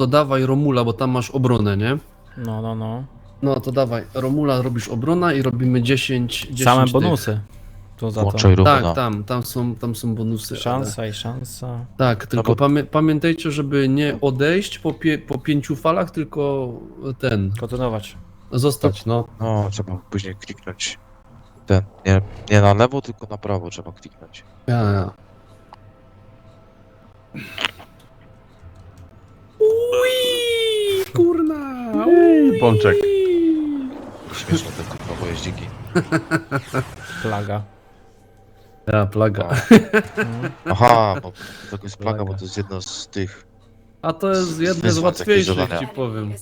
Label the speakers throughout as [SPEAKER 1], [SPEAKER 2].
[SPEAKER 1] to dawaj Romula, bo tam masz obronę, nie?
[SPEAKER 2] No.
[SPEAKER 1] No to dawaj, Romula robisz obrona i robimy 10
[SPEAKER 2] Same
[SPEAKER 1] tych.
[SPEAKER 2] bonusy. Tu za to.
[SPEAKER 3] Włączaj Rumuna.
[SPEAKER 1] Tak, tam są bonusy.
[SPEAKER 2] Szansa i szansa.
[SPEAKER 1] Tak, tylko
[SPEAKER 3] bo-
[SPEAKER 1] pamiętajcie, żeby nie odejść po 5 falach, tylko
[SPEAKER 2] Kontynuować.
[SPEAKER 1] zostać, no.
[SPEAKER 3] No, trzeba później kliknąć ten, nie na lewo, tylko na prawo trzeba kliknąć.
[SPEAKER 1] Ja. Ui, kurna!
[SPEAKER 4] Pączek.
[SPEAKER 3] Śmieszne te kurwa pojeździki.
[SPEAKER 2] Plaga.
[SPEAKER 1] Ja, plaga.
[SPEAKER 3] Aha, bo to jest plaga, bo to jest jedno z tych...
[SPEAKER 1] A to jest jedne z
[SPEAKER 3] Wyzwać jakieś
[SPEAKER 1] łatwiejszych,
[SPEAKER 3] zadania.
[SPEAKER 1] ci powiem.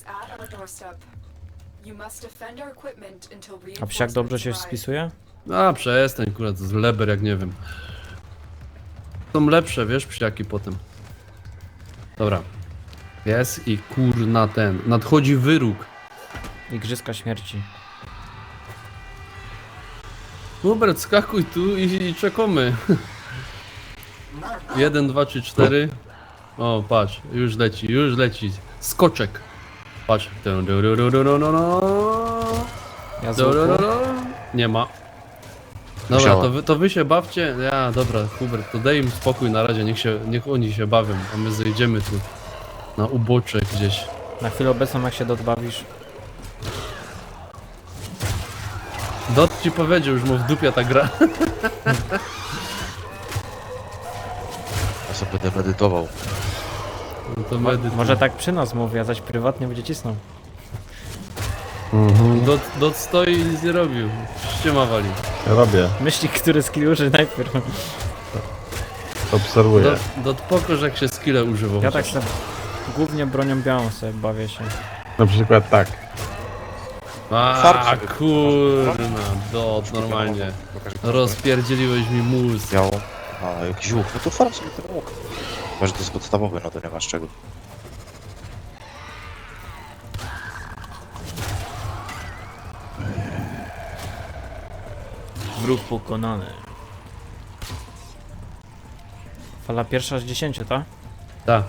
[SPEAKER 2] A psiak dobrze się spisuje?
[SPEAKER 1] A, przestań, kurwa, to jest leber, jak nie wiem. Są lepsze, wiesz, psiaki potem. Dobra. Jest i kurna nadchodzi wyróg.
[SPEAKER 2] Igrzyska śmierci.
[SPEAKER 1] Hubert, skakuj tu i czekamy. 1, 2, 3, 4. O, patrz, już leci. Skoczek. Patrz.
[SPEAKER 2] Ja z łuku.
[SPEAKER 1] Nie ma. Dobra,
[SPEAKER 3] Musiałem.
[SPEAKER 1] to wy się bawcie. Ja, dobra, Hubert, to daj im spokój na razie, niech oni się bawią, a my zejdziemy tu na ubocze gdzieś.
[SPEAKER 2] Na chwilę obecną jak się dodbawisz.
[SPEAKER 1] Dot ci powiedział, już mu w dupie ta gra.
[SPEAKER 3] Ja sobie będę medytował.
[SPEAKER 1] No to medyt.
[SPEAKER 2] Może tak przy nas mówi, a zaś prywatnie będzie cisnął.
[SPEAKER 1] Dot stoi i nic nie robił. Ściema wali.
[SPEAKER 4] Ja robię,
[SPEAKER 2] Myśli, który skill użyć najpierw.
[SPEAKER 4] obserwuję.
[SPEAKER 1] Dot pokorz jak się skille używał.
[SPEAKER 2] Ja tak sobie głównie bronią białą sobie bawię się.
[SPEAKER 4] Na przykład tak.
[SPEAKER 1] A
[SPEAKER 3] Farb.
[SPEAKER 1] kurna, Dot, normalnie. Rozpierdzieliłeś mi mózg.
[SPEAKER 3] Biało. A, jakiś łuk. No to farm sobie ten łuk. Chyba, że to jest podstawowy, no to nie masz czego.
[SPEAKER 2] Wróg pokonany. Fala pierwsza z 10, tak?
[SPEAKER 1] Tak.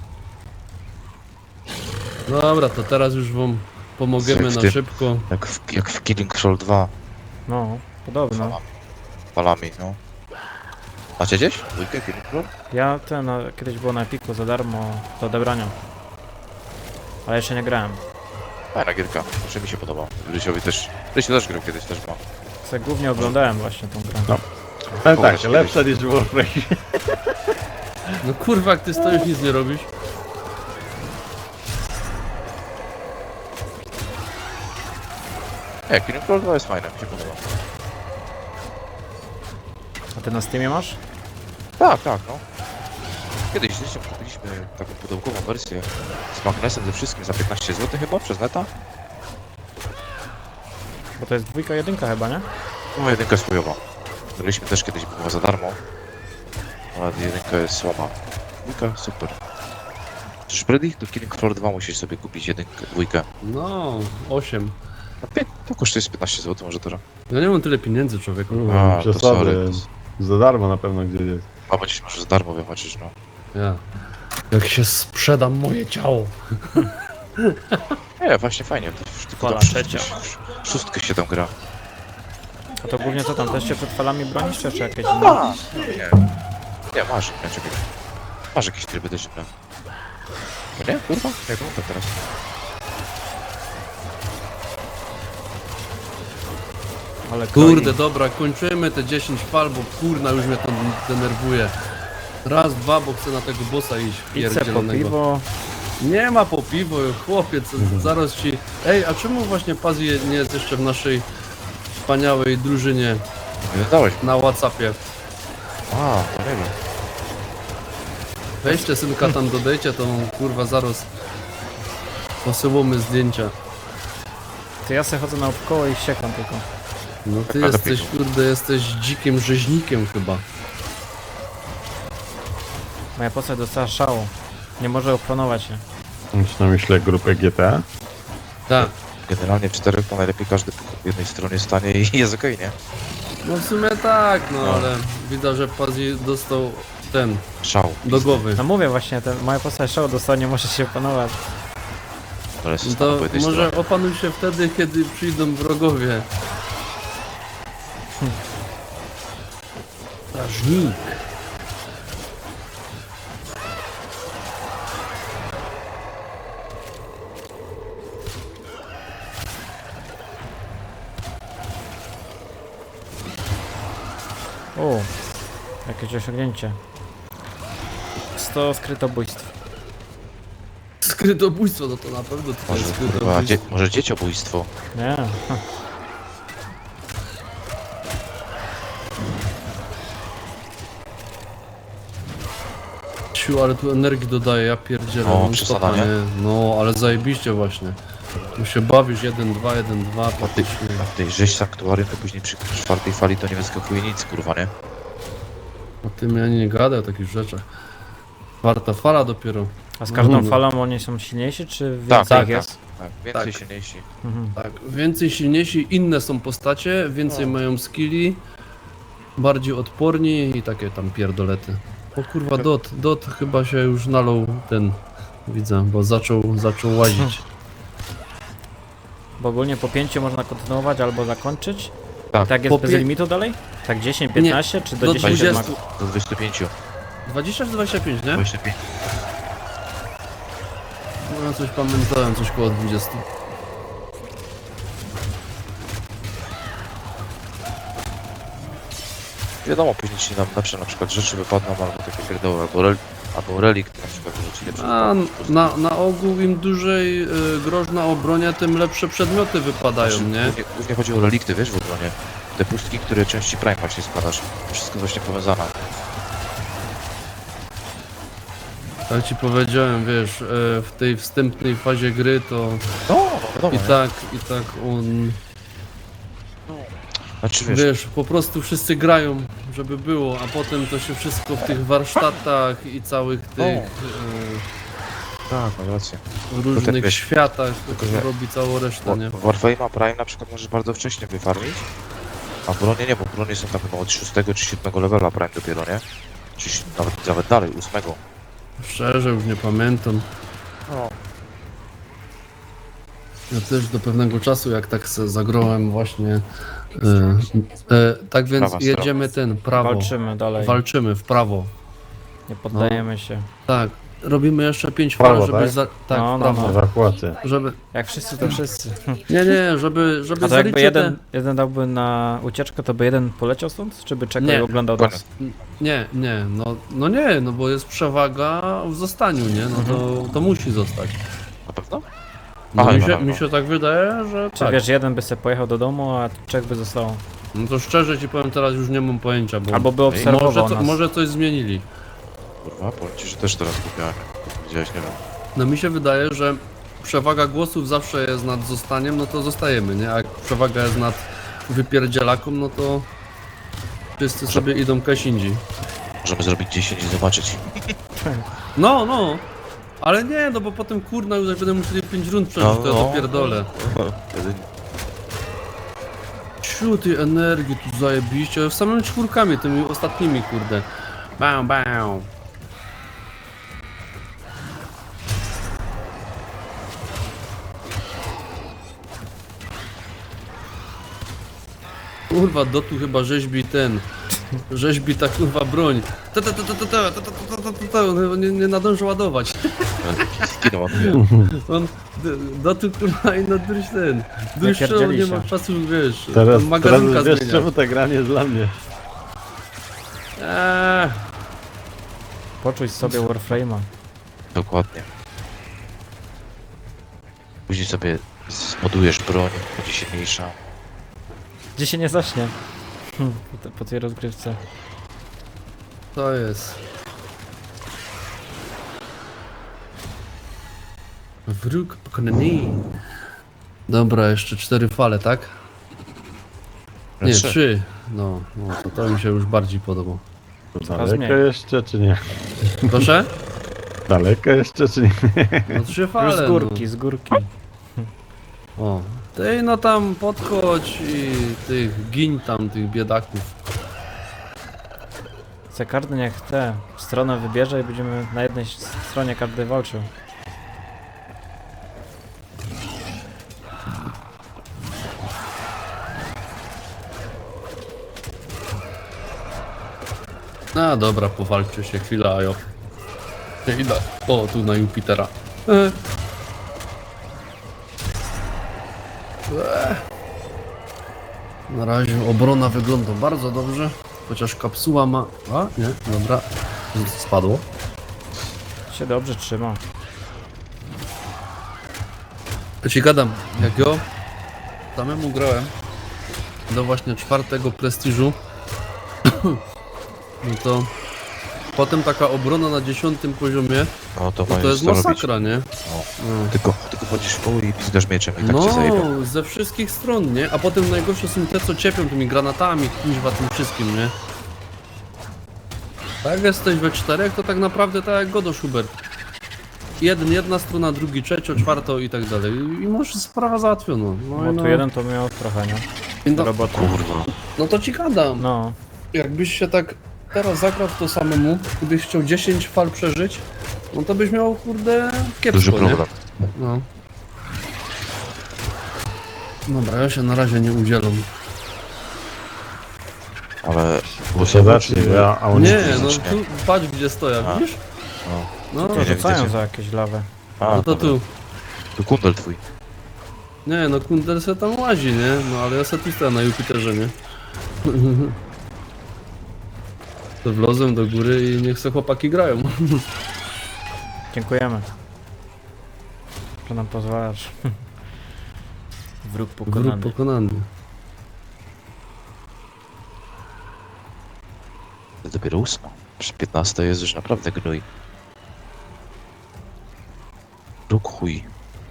[SPEAKER 1] Dobra, to teraz już wam pomogemy
[SPEAKER 3] Jak w
[SPEAKER 1] na
[SPEAKER 3] tym.
[SPEAKER 1] szybko.
[SPEAKER 3] Jak w Killing Floor 2.
[SPEAKER 2] No, podobno.
[SPEAKER 3] Falami, no. Macie gdzieś? Dwójkę Killing Floor?
[SPEAKER 2] Ja kiedyś było na Epiku za darmo do odebrania. Ale jeszcze nie grałem.
[SPEAKER 3] Fajna gierka. Znaczy mi się podoba. Rysiowi też. Rysiu też grał kiedyś, też ma.
[SPEAKER 2] Se głównie oglądałem właśnie tą grę.
[SPEAKER 4] No. Ale tak,
[SPEAKER 3] Pokaż
[SPEAKER 4] lepsza niż Warframe.
[SPEAKER 1] No kurwa, jak ty stoisz, nic nie robisz.
[SPEAKER 3] Nie, Killing Floor 2 jest fajne, mi się podoba.
[SPEAKER 2] A ty na Steamie masz?
[SPEAKER 3] Tak, no. Kiedyś z Rysiem kupiliśmy taką pudełkową wersję z magnesem ze wszystkim za 15 zł chyba przez neta.
[SPEAKER 2] Bo to jest dwójka, jedynka chyba, nie?
[SPEAKER 3] No jedynka jest chujowa. Graliśmy też kiedyś, była za darmo. Ale jedynka jest słaba. Dwójka super. Czyż Freddy? Do Killing Floor 2 musisz sobie kupić jedynkę, dwójkę.
[SPEAKER 1] No, 8.
[SPEAKER 3] To kosztuje z 15 zł może teraz.
[SPEAKER 1] Ja nie mam tyle pieniędzy, człowieku.
[SPEAKER 3] A, to
[SPEAKER 4] Przesady.
[SPEAKER 3] sorry.
[SPEAKER 4] Za darmo na pewno gdzieś jest.
[SPEAKER 3] A będziesz może za darmo wybaczyć, no.
[SPEAKER 1] Ja. Jak się sprzedam moje ciało.
[SPEAKER 3] Nie, właśnie fajnie. To już tylko
[SPEAKER 2] Fala
[SPEAKER 3] tam
[SPEAKER 2] trzecia.
[SPEAKER 3] szóstkę się tam gra.
[SPEAKER 2] A to głównie co tam, też się przed falami bronisz, czy jakieś inne?
[SPEAKER 3] Nie, masz, nie, czekaj. Masz jakieś tryby też inne. No nie? Kurwa? Jak mogę teraz?
[SPEAKER 2] Ale
[SPEAKER 1] Kurde, dobra, kończymy te 10 fal, bo kurna już mnie to denerwuje. Raz, dwa, bo chcę na tego bossa iść
[SPEAKER 2] pizzę po
[SPEAKER 1] pierdzielonego.
[SPEAKER 2] piwo.
[SPEAKER 1] Nie ma po piwo, chłopiec, zaraz ci... Ej, a czemu właśnie Pazji nie jest jeszcze w naszej wspaniałej drużynie
[SPEAKER 3] Nie dałeś.
[SPEAKER 1] na Whatsappie?
[SPEAKER 3] A, to nie wiem.
[SPEAKER 1] Weźcie synka tam, dodajcie, to kurwa zaraz posyłamy zdjęcia.
[SPEAKER 2] To ja sobie chodzę naokoło i ściekam tylko.
[SPEAKER 1] No ty
[SPEAKER 3] Ale
[SPEAKER 1] jesteś,
[SPEAKER 3] pięknie.
[SPEAKER 1] kurde, jesteś dzikim rzeźnikiem chyba.
[SPEAKER 2] Moja postać dostała szału. Nie może opanować się.
[SPEAKER 4] Masz na myślę grupę GTA?
[SPEAKER 1] Tak.
[SPEAKER 3] Generalnie w czterech to najlepiej każdy po jednej stronie stanie i jest okej, nie?
[SPEAKER 1] No w sumie tak, no ale widać, że Pazji dostał ten,
[SPEAKER 3] Szał.
[SPEAKER 1] do głowy.
[SPEAKER 2] No mówię właśnie, moja postać szał dostanie, może się opanować.
[SPEAKER 3] Ale jest
[SPEAKER 1] To
[SPEAKER 3] po jednej
[SPEAKER 1] może
[SPEAKER 3] stronie.
[SPEAKER 1] opanuj się wtedy, kiedy przyjdą wrogowie. Strażnik.
[SPEAKER 2] O, jakieś osiągnięcie. 100 skrytobójstw.
[SPEAKER 1] Skrytobójstwo, no to na pewno to
[SPEAKER 3] Może,
[SPEAKER 1] jest
[SPEAKER 3] kurwa,
[SPEAKER 1] skrytobójstwo.
[SPEAKER 3] może dzieciobójstwo.
[SPEAKER 2] Nie.
[SPEAKER 1] Siu, ale tu energii dodaje, ja pierdzielę.
[SPEAKER 3] O,
[SPEAKER 1] non
[SPEAKER 3] przesada,
[SPEAKER 1] stopa,
[SPEAKER 3] nie?
[SPEAKER 1] No, ale zajebiście właśnie. Tu się bawisz 1-2, 1-2,
[SPEAKER 3] A ty,
[SPEAKER 1] faktycznie.
[SPEAKER 3] a tej rzeź sanktuarium to później przy czwartej fali to nie wyskakuje nic, kurwa, nie?
[SPEAKER 1] O tym ja nie gadam o takich rzeczach. Czwarta fala dopiero.
[SPEAKER 2] A z każdą
[SPEAKER 1] No.
[SPEAKER 2] falą oni są silniejsi, czy
[SPEAKER 3] Tak,
[SPEAKER 2] więcej
[SPEAKER 3] tak,
[SPEAKER 2] ich jest?
[SPEAKER 3] Tak, więcej
[SPEAKER 1] Tak.
[SPEAKER 3] silniejsi.
[SPEAKER 2] Mhm.
[SPEAKER 1] Tak, więcej silniejsi, inne są postacie, więcej mają skilli, bardziej odporni i takie tam pierdolety. O kurwa, Dot chyba się już nalał ten, widzę, bo zaczął łazić.
[SPEAKER 2] Bo ogólnie po 5 można kontynuować albo zakończyć.
[SPEAKER 3] Tak.
[SPEAKER 2] Tak jest
[SPEAKER 1] Po
[SPEAKER 2] bez
[SPEAKER 1] pię-
[SPEAKER 2] limitu dalej? Tak 10, 15 czy do
[SPEAKER 1] do
[SPEAKER 2] 10
[SPEAKER 1] 20.
[SPEAKER 2] max?
[SPEAKER 3] Do 25.
[SPEAKER 1] 20 czy 25, nie?
[SPEAKER 3] 25.
[SPEAKER 1] No ja coś pamiętałem, coś koło 20.
[SPEAKER 3] Wiadomo, później ci nam lepsze na przykład rzeczy wypadną, albo takie pierdoły, albo relikt na przykład wyrzuci lepsze.
[SPEAKER 1] A na ogół im dłużej groźna obronia, tym lepsze przedmioty wypadają, nie?
[SPEAKER 3] Głównie chodzi o relikty, wiesz, w obronie. Te pustki, które części Prime właśnie składasz. To wszystko właśnie powiązane.
[SPEAKER 1] Tak ci powiedziałem, wiesz, w tej wstępnej fazie gry to
[SPEAKER 3] No, wiadomo.
[SPEAKER 1] i tak on...
[SPEAKER 3] Znaczy wiesz,
[SPEAKER 1] Wiesz, po prostu wszyscy grają, żeby było, a potem to się wszystko w tych warsztatach i całych tych
[SPEAKER 3] tak, masz rację.
[SPEAKER 1] różnych
[SPEAKER 3] tak, wiesz,
[SPEAKER 1] światach
[SPEAKER 3] tylko, że-
[SPEAKER 1] robi całą resztę, nie?
[SPEAKER 3] W Warframe'a Prime na przykład możesz bardzo wcześnie wyfarmić, a w bronie nie, bo bronie są tam chyba od 6 czy 7 levela Prime dopiero, nie? Czy nawet dalej, 8.
[SPEAKER 1] Szczerze, już nie pamiętam.
[SPEAKER 3] No.
[SPEAKER 1] Ja też do pewnego czasu, jak tak se zagrałem właśnie, tak więc
[SPEAKER 3] Prawa strona.
[SPEAKER 1] jedziemy prawo,
[SPEAKER 2] Walczymy dalej.
[SPEAKER 1] walczymy w prawo,
[SPEAKER 2] Nie poddajemy się.
[SPEAKER 1] tak, robimy jeszcze 5
[SPEAKER 4] Prawo,
[SPEAKER 1] fal, żeby
[SPEAKER 4] tak?
[SPEAKER 1] tak,
[SPEAKER 2] No,
[SPEAKER 1] w
[SPEAKER 2] no,
[SPEAKER 1] prawo,
[SPEAKER 2] no.
[SPEAKER 4] Ewakuacja.
[SPEAKER 1] żeby,
[SPEAKER 2] Jak wszyscy to wszyscy.
[SPEAKER 1] nie, żeby
[SPEAKER 2] A to jakby
[SPEAKER 1] zaliczyć
[SPEAKER 2] jeden dałby na ucieczkę, to by jeden poleciał stąd? Czy by czekał
[SPEAKER 1] Nie.
[SPEAKER 2] i oglądał
[SPEAKER 3] Koniec.
[SPEAKER 2] nas?
[SPEAKER 1] Nie, no bo jest przewaga w zostaniu, nie? No to musi zostać.
[SPEAKER 3] Na pewno?
[SPEAKER 1] No
[SPEAKER 3] Aha,
[SPEAKER 1] mi się tak wydaje, że
[SPEAKER 2] Czy
[SPEAKER 1] tak.
[SPEAKER 2] wiesz, jeden by sobie pojechał do domu, a trzech by zostało.
[SPEAKER 1] No to szczerze ci powiem, teraz już nie mam pojęcia, bo
[SPEAKER 2] Albo by obserwował nas.
[SPEAKER 1] może coś zmienili.
[SPEAKER 3] Kurwa, powiem ci, że też teraz kupiłem. Widziałeś, nie wiem.
[SPEAKER 1] No mi się wydaje, że przewaga głosów zawsze jest nad zostaniem, no to zostajemy, nie? A jak przewaga jest nad wypierdzielaką, no to wszyscy sobie idą kaś indziej.
[SPEAKER 3] Możemy zrobić 10 i zobaczyć.
[SPEAKER 1] No, ale nie, no bo potem kurna już jak będę musieli 5 rund przeżyć, to ja to pierdolę. Ciu, tej energii tu zajebiście, samymi czwórkami, tymi ostatnimi, kurde. Bam, bam. Kurwa, Dotu chyba rzeźbi ta kurwa broń. Nie nadąży ładować.
[SPEAKER 3] Skinął on.
[SPEAKER 1] On, Dotu kurwa i na druś nie
[SPEAKER 2] Wypierdzieli
[SPEAKER 1] ma
[SPEAKER 2] się.
[SPEAKER 1] czasu, wiesz,
[SPEAKER 4] Teraz
[SPEAKER 1] magazynka
[SPEAKER 4] wiesz
[SPEAKER 1] zmieniać.
[SPEAKER 4] czemu ta gra nie jest dla mnie.
[SPEAKER 2] Poczuj sobie Warframe'a.
[SPEAKER 3] Dokładnie. Później sobie zmodujesz broń, będzie silniejsza.
[SPEAKER 2] Gdzie się nie zaśnie. Po tej rozgrywce.
[SPEAKER 1] To jest. Wróg pokonany. Dobra, jeszcze 4 fale, tak? Nie, 3. No, to mi się już bardziej podoba.
[SPEAKER 4] Daleko
[SPEAKER 2] mniej.
[SPEAKER 4] jeszcze czy nie?
[SPEAKER 1] Proszę?
[SPEAKER 4] Daleko jeszcze czy nie?
[SPEAKER 1] No 3
[SPEAKER 2] Już
[SPEAKER 1] fale.
[SPEAKER 2] z górki, z górki.
[SPEAKER 1] No. O, ty no tam podchodź i tych gin tam, tych biedaków.
[SPEAKER 2] te karty niech te stronę wybierze i będziemy na jednej stronie każdy walczył.
[SPEAKER 1] A dobra, powalczy się chwila, a jo. Idę. O, tu na Jupitera. Na razie obrona wygląda bardzo dobrze, chociaż kapsuła ma... A, nie, dobra, spadło.
[SPEAKER 2] Się dobrze trzyma.
[SPEAKER 1] Ja ci gadam, jak ja samemu grałem do właśnie 4. prestiżu, no to potem taka obrona na 10. poziomie,
[SPEAKER 3] No to
[SPEAKER 1] no
[SPEAKER 3] masz
[SPEAKER 1] to jest
[SPEAKER 3] co robić.
[SPEAKER 1] masakra, nie?
[SPEAKER 3] No.
[SPEAKER 1] No.
[SPEAKER 3] Tylko chodzisz w koło i pizgasz mieczem i tak cię zajebią.
[SPEAKER 1] No, ze wszystkich stron, nie? A potem najgorsze są te, co ciepią tymi granatami, kuźwa, tym wszystkim, nie? Tak, jak jesteś we 4, to tak naprawdę tak jak Godo Schubert. Jedna strona, drugi, trzecia, czwarta i tak dalej. I może sprawa załatwiona. No,
[SPEAKER 2] Bo
[SPEAKER 1] i
[SPEAKER 2] tu
[SPEAKER 1] no,
[SPEAKER 2] jeden to miał trochę, nie?
[SPEAKER 1] i no,
[SPEAKER 2] Roboty.
[SPEAKER 3] Kurwa.
[SPEAKER 1] no to ci gadam.
[SPEAKER 2] No,
[SPEAKER 1] Jakbyś się tak teraz zagrał w to samemu, gdybyś chciał 10 fal przeżyć, no to byś miał, kurde, kiepsko,
[SPEAKER 3] Duży
[SPEAKER 1] nie?
[SPEAKER 3] problem.
[SPEAKER 1] No. Dobra, ja się na razie nie udzielam.
[SPEAKER 3] Ale...
[SPEAKER 4] To się zacznie, a oni...
[SPEAKER 1] Nie, no
[SPEAKER 3] fizycznie.
[SPEAKER 1] tu patrz gdzie stoję,
[SPEAKER 3] A.
[SPEAKER 1] widzisz?
[SPEAKER 3] No.
[SPEAKER 1] No,
[SPEAKER 2] to
[SPEAKER 3] nie
[SPEAKER 2] rzucają
[SPEAKER 3] widzicie.
[SPEAKER 2] za jakieś lawy.
[SPEAKER 3] A,
[SPEAKER 1] no to
[SPEAKER 3] dobra.
[SPEAKER 1] tu.
[SPEAKER 3] Tu kundel twój.
[SPEAKER 1] Nie, no Kundel se tam łazi, nie? No ale ja se tu stoję na Jupiterze, nie? To wlozłem do góry i niech se chłopaki grają.
[SPEAKER 2] Dziękujemy. Że nam pozwalasz. Wróg
[SPEAKER 1] Wróg
[SPEAKER 2] pokonany.
[SPEAKER 1] pokonany.
[SPEAKER 3] To dopiero 8. Przy 15 jest już naprawdę gnój. Róg chuj.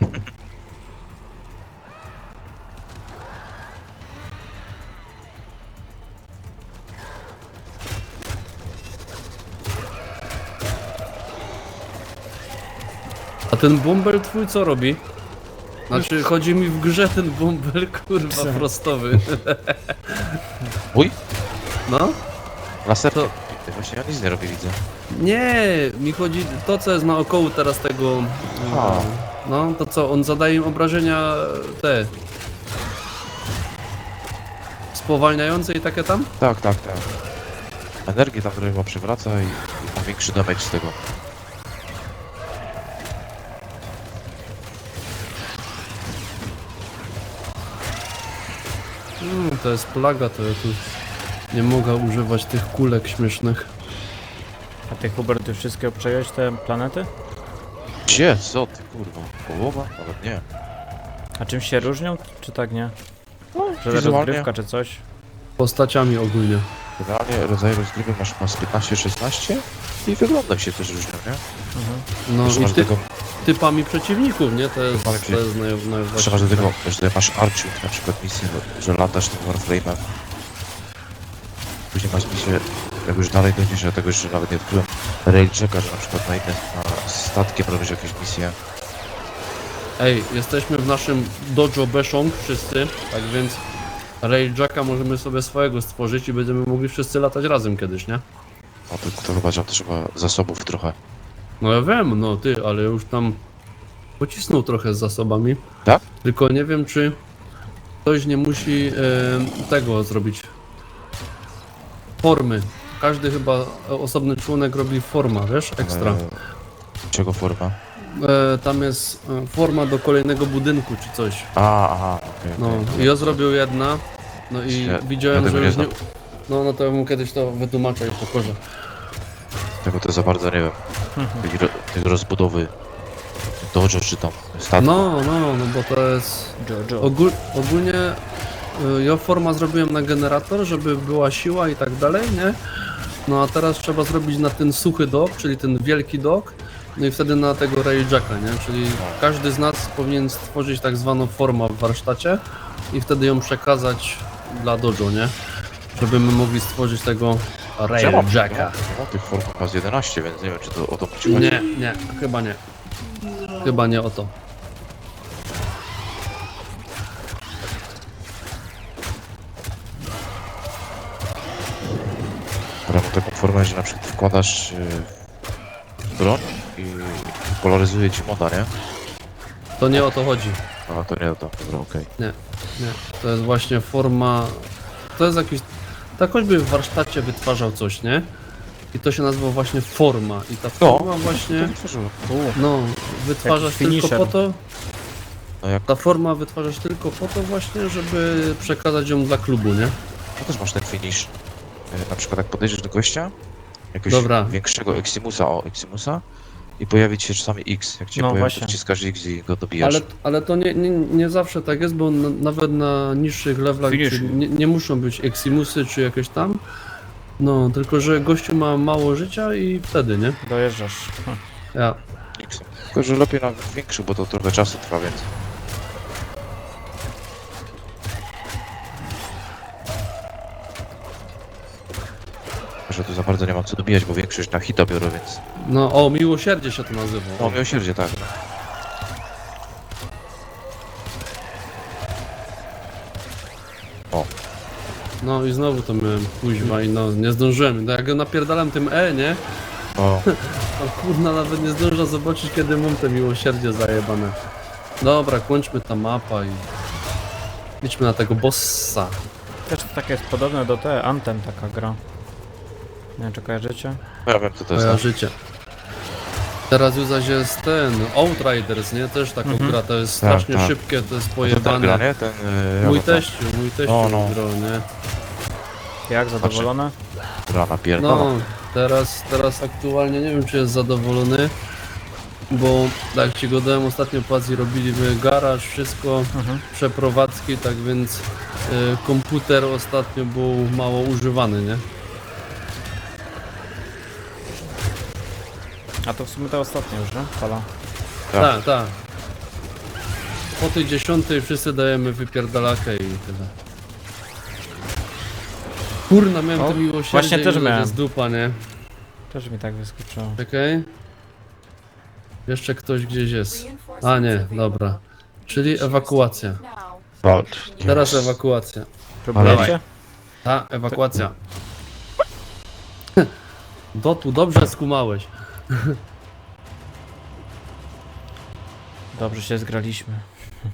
[SPEAKER 1] A ten bąbel twój co robi? Znaczy, chodzi mi w grze ten bąbel, kurwa, prostowy.
[SPEAKER 3] Mój?
[SPEAKER 1] No?
[SPEAKER 3] Laser?
[SPEAKER 1] To-
[SPEAKER 3] Właśnie ja nic nie robię, widzę.
[SPEAKER 1] Nie, mi chodzi to, co jest naokoło teraz tego...
[SPEAKER 3] A.
[SPEAKER 1] No, to co, on zadaje im obrażenia te... spowalniające i takie tam?
[SPEAKER 3] Tak, tak, tak. Energię tam chyba przywraca i ma większy damage z tego.
[SPEAKER 1] To jest plaga, to ja tu nie mogę używać tych kulek śmiesznych.
[SPEAKER 2] A ty, Hubert, już wszystkie obczaiłeś te planety?
[SPEAKER 3] Gdzie? Co ty kurwa? Połowa? Nawet nie.
[SPEAKER 2] A czym się różnią, czy tak nie? Że
[SPEAKER 3] wizualnie.
[SPEAKER 2] rozgrywka, czy coś?
[SPEAKER 1] Postaciami ogólnie.
[SPEAKER 3] Generalnie rodzaje rozgrywek masz 15-16 i wyglądem się też różnią, nie?
[SPEAKER 1] No
[SPEAKER 3] Jeszcze
[SPEAKER 1] i
[SPEAKER 3] masz do tego,
[SPEAKER 1] typami przeciwników, nie? To jest,
[SPEAKER 3] Typami
[SPEAKER 1] to jest
[SPEAKER 3] jeszcze masz do tego, że masz Arching na przykład misję, że latasz tym Warframe'em. Później masz misję, jak już dalej dojdziesz, ja tego jeszcze nawet nie odkryłem, Railjacka, że na przykład na statkiem robisz jakieś misje.
[SPEAKER 1] Ej, jesteśmy w naszym dojo Beshong wszyscy, tak więc Railjacka możemy sobie swojego stworzyć i będziemy mogli wszyscy latać razem kiedyś, nie?
[SPEAKER 3] No to chyba, że trzeba zasobów trochę.
[SPEAKER 1] No ja wiem, no ty, ale już tam pocisnął trochę z zasobami.
[SPEAKER 3] Tak?
[SPEAKER 1] Tylko nie wiem, czy ktoś nie musi tego zrobić. Formy. Każdy chyba osobny członek robi forma, wiesz, ekstra.
[SPEAKER 3] Czego forma?
[SPEAKER 1] Tam jest forma do kolejnego budynku czy coś.
[SPEAKER 3] Aha, okej.
[SPEAKER 1] No
[SPEAKER 3] okej.
[SPEAKER 1] i ja zrobił jedna. No i
[SPEAKER 3] Ja
[SPEAKER 1] widziałem,
[SPEAKER 3] tego
[SPEAKER 1] że
[SPEAKER 3] nie
[SPEAKER 1] już nie...
[SPEAKER 3] znam.
[SPEAKER 1] No to ja mu kiedyś to wytłumaczę i pokorze.
[SPEAKER 3] Tego to za bardzo nie wiem. Tej rozbudowy dojo czy tam statku.
[SPEAKER 1] No, bo to jest...
[SPEAKER 2] Jojo.
[SPEAKER 1] Ogólnie ja forma zrobiłem na generator, żeby była siła i tak dalej, nie? No a teraz trzeba zrobić na ten suchy dok, czyli ten wielki dok, no i wtedy na tego Railjacka, nie? Czyli każdy z nas powinien stworzyć tak zwaną formę w warsztacie i wtedy ją przekazać dla dojo, nie? Żeby my mogli stworzyć tego Railjacka.
[SPEAKER 3] Ja mam tych form chyba z 11, więc nie wiem czy to o to ci chodzi.
[SPEAKER 1] Nie, chyba nie. Chyba nie o to.
[SPEAKER 3] Ale mam taką formę, że na przykład wkładasz broń i polaryzuje ci moda, nie?
[SPEAKER 1] To nie o to chodzi.
[SPEAKER 3] A to nie to, dobra, okej.
[SPEAKER 1] Nie. To jest właśnie forma... To jest jakiś... Tak choćby w warsztacie wytwarzał coś, nie? I to się nazywa właśnie forma. I ta forma
[SPEAKER 3] To
[SPEAKER 1] właśnie...
[SPEAKER 3] nie tworzyło.
[SPEAKER 1] No, wytwarzasz
[SPEAKER 2] Jakiś
[SPEAKER 1] tylko
[SPEAKER 2] finisher.
[SPEAKER 1] po to...
[SPEAKER 3] No jak
[SPEAKER 1] Ta forma wytwarzasz tylko po to właśnie, żeby przekazać ją dla klubu, nie?
[SPEAKER 3] to też masz ten finish. Na przykład jak podejdziesz do gościa, jakiegoś
[SPEAKER 1] Dobra.
[SPEAKER 3] większego Eximusa i pojawi ci się czasami X. Jak cię
[SPEAKER 2] No
[SPEAKER 3] pojawi,
[SPEAKER 2] właśnie.
[SPEAKER 3] to wciskasz X i go dobijasz.
[SPEAKER 1] Ale to nie zawsze tak jest, bo nawet na niższych levelach
[SPEAKER 2] Finish.
[SPEAKER 1] czy nie muszą być Eximusy czy jakieś tam. No, tylko że gościu ma mało życia i wtedy, nie?
[SPEAKER 2] Dojeżdżasz.
[SPEAKER 1] Ja.
[SPEAKER 3] X. Tylko, że lepiej na większy, bo to trochę czasu trwa, więc... Że tu za bardzo nie mam co dobijać, bo większość na hita biorę, więc...
[SPEAKER 1] No, o, miłosierdzie się to nazywa.
[SPEAKER 3] No, miłosierdzie, tak. O,
[SPEAKER 1] No i znowu to miałem kuźwa i no, nie zdążyłem. No, jak go napierdalam tym nie?
[SPEAKER 3] no,
[SPEAKER 1] To kurna nawet nie zdąża zobaczyć, kiedy mam te miłosierdzie zajebane. Dobra, kończmy ta mapa i... Idźmy na tego bossa.
[SPEAKER 2] Też takie jest podobne do te Anthem taka gra. Nie wiem czy kojarzycie?
[SPEAKER 3] ja wiem co to jest.
[SPEAKER 1] Moja
[SPEAKER 3] tak.
[SPEAKER 1] życie. Teraz już zaś jest ten, Outriders, nie? Też taką gra, to jest
[SPEAKER 3] Tak,
[SPEAKER 1] strasznie
[SPEAKER 3] tak.
[SPEAKER 1] szybkie, to jest
[SPEAKER 3] A to ten gra,
[SPEAKER 1] pojebane.
[SPEAKER 3] nie? Ten...
[SPEAKER 1] Mój teściu
[SPEAKER 3] No.
[SPEAKER 1] grał, nie?
[SPEAKER 2] Jak, zadowolone?
[SPEAKER 3] Gra napierdala.
[SPEAKER 1] No, teraz aktualnie nie wiem, czy jest zadowolony, bo tak ci go dałem ostatnio po Azji, robiliśmy garaż, wszystko, przeprowadzki, tak więc komputer ostatnio był mało używany, nie?
[SPEAKER 2] A to w sumie to ostatnie już, nie? Fala.
[SPEAKER 3] Tak.
[SPEAKER 1] Tak. Po tej 10 wszyscy dajemy wypierdalakę i tyle. Kurna, miałem
[SPEAKER 2] O,
[SPEAKER 1] to miłosierdzie
[SPEAKER 2] właśnie
[SPEAKER 1] i
[SPEAKER 2] też
[SPEAKER 1] to
[SPEAKER 2] miałem.
[SPEAKER 1] jest dupa, nie?
[SPEAKER 2] Też mi tak wyskoczyło.
[SPEAKER 1] Czekaj. Jeszcze ktoś gdzieś jest. A nie, dobra. Czyli ewakuacja.
[SPEAKER 4] Walcz.
[SPEAKER 1] Teraz ewakuacja.
[SPEAKER 2] Próbujecie?
[SPEAKER 1] Ta, ewakuacja. Dotu, dobrze skumałeś.
[SPEAKER 2] Dobrze się zgraliśmy.